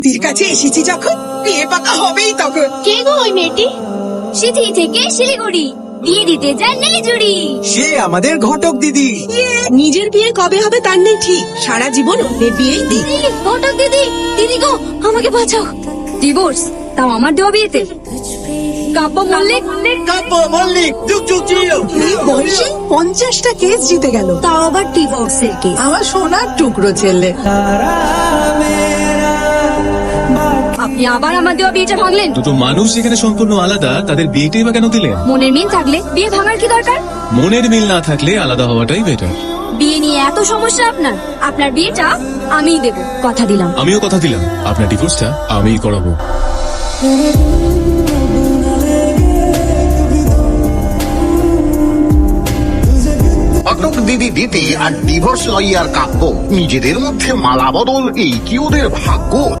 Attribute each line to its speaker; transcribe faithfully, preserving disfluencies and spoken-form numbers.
Speaker 1: দিদির কাছে এসেছি যখন বিয়ে পাকা হবেই তখন।
Speaker 2: কে গো ওই মেয়েটি? সিথি থেকে শিলিগুড়ি বিয়ে দিতে যান নীলিজুড়ি।
Speaker 3: সে আমাদের ঘটক দিদি।
Speaker 1: নিজের বিয়ে কবে হবে তার নেই ঠিক, সারা জীবন অন্যের বিয়েই দিই।
Speaker 2: ঘটক দিদি, দিদি গো আমাকে বাঁচাও। ডিভোর্স, তাও আমার দেওয়া বিয়েতে। কাব্য মল্লিক
Speaker 3: কাব্য মল্লিক যুগ যুগ জিও।
Speaker 1: এই বয়সে পঞ্চাশটা কেস জিতে গেল,
Speaker 2: তাও আবার ডিভোর্সের কেস।
Speaker 1: আমার সোনার টুকরো ছেলে।
Speaker 2: আপনি আবার আমার দেওয়া বিয়েটা ভাঙলেন।
Speaker 4: দুটো মানুষ যেখানে সম্পূর্ণ আলাদা, তাদের বিয়েটাই বা কেন দিলেন?
Speaker 2: মনের মিল থাকলে বিয়ে ভাঙার কি দরকার?
Speaker 4: মনের মিল না থাকলে আলাদা হওয়াটাই বেটার।
Speaker 2: বিয়ে নিয়ে এত সমস্যা আপনার, আপনার বিয়েটা আমিই দেব, কথা দিলাম।
Speaker 4: আমিও কথা দিলাম, আপনার ডিভোর্সটা আমিই করাবো।
Speaker 5: ঘটক দিদি দিতে আর ডিভোর্স লইয়ার কাব্য, নিজেদের মধ্যে মালা বদল, এই কি ওদের ভাগ্য?